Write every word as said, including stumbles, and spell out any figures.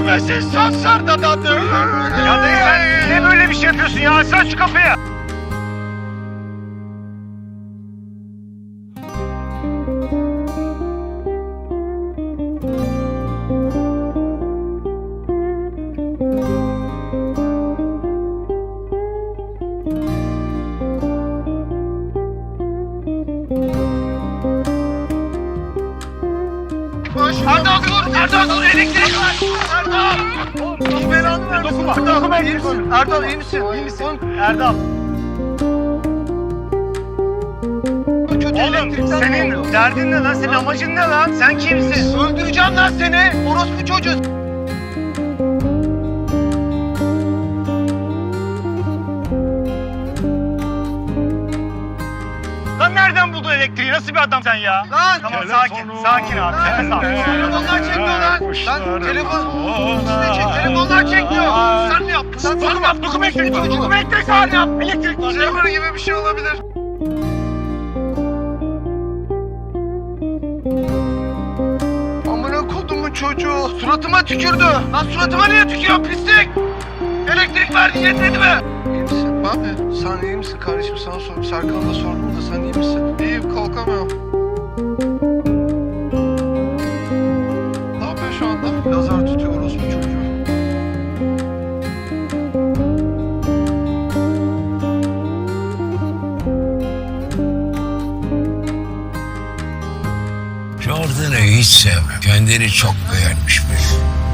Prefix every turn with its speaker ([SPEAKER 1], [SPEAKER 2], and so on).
[SPEAKER 1] Görmesin sansar dadı.
[SPEAKER 2] Ya dayı sen ne böyle bir şey yapıyorsun ya? Açsana şu kapıyı.
[SPEAKER 1] Erdal dur! Erdal dur! Elektrik var! Erdal! Allah belanı vermesin.
[SPEAKER 2] Dokunma.
[SPEAKER 1] Erdal,
[SPEAKER 2] Dokunma.
[SPEAKER 1] iyi misin? Erdal iyi misin? İyi misin?
[SPEAKER 2] Erdal.
[SPEAKER 1] Kötü
[SPEAKER 2] Oğlum
[SPEAKER 1] elektrikten
[SPEAKER 2] senin
[SPEAKER 1] oldu.
[SPEAKER 2] derdin ne lan? Senin amacın ne lan? Sen kimsin?
[SPEAKER 1] Öldüreceğim lan seni! Orospu çocuğu!
[SPEAKER 2] Lan nereden buldun elektriği? Nasıl bir adam sen ya?
[SPEAKER 1] Lan!
[SPEAKER 2] Tamam sakin. Sakin abi. Nefes al.
[SPEAKER 1] Telefonlar çekmiyor lan! Lan telefon... İşte çek, telefonlar çekmiyor! Sen ne yaptın lan? Sen ne yaptın?
[SPEAKER 2] Dokuma elektrik var.
[SPEAKER 1] Çocuğu.
[SPEAKER 2] Dokuma elektrik var. Sen yap. Elektrik var.
[SPEAKER 1] Jammer gibi bir şey olabilir. Amına kodumun çocuğu suratıma tükürdü. Lan suratıma niye tükürüyor pislik? Elektrik verdi yetmedi mi? İyi misin abi? Sen iyi misin kardeşim? Sana sordum. Serkan'a da sordum da sen iyi misin? İyiyim, kalkamıyorum. Ne yapıyor şu anda? Lazer tutuyor orospu çocuğu.
[SPEAKER 3] Jordan'ı hiç sevmem. Kendini çok beğenmiş bir.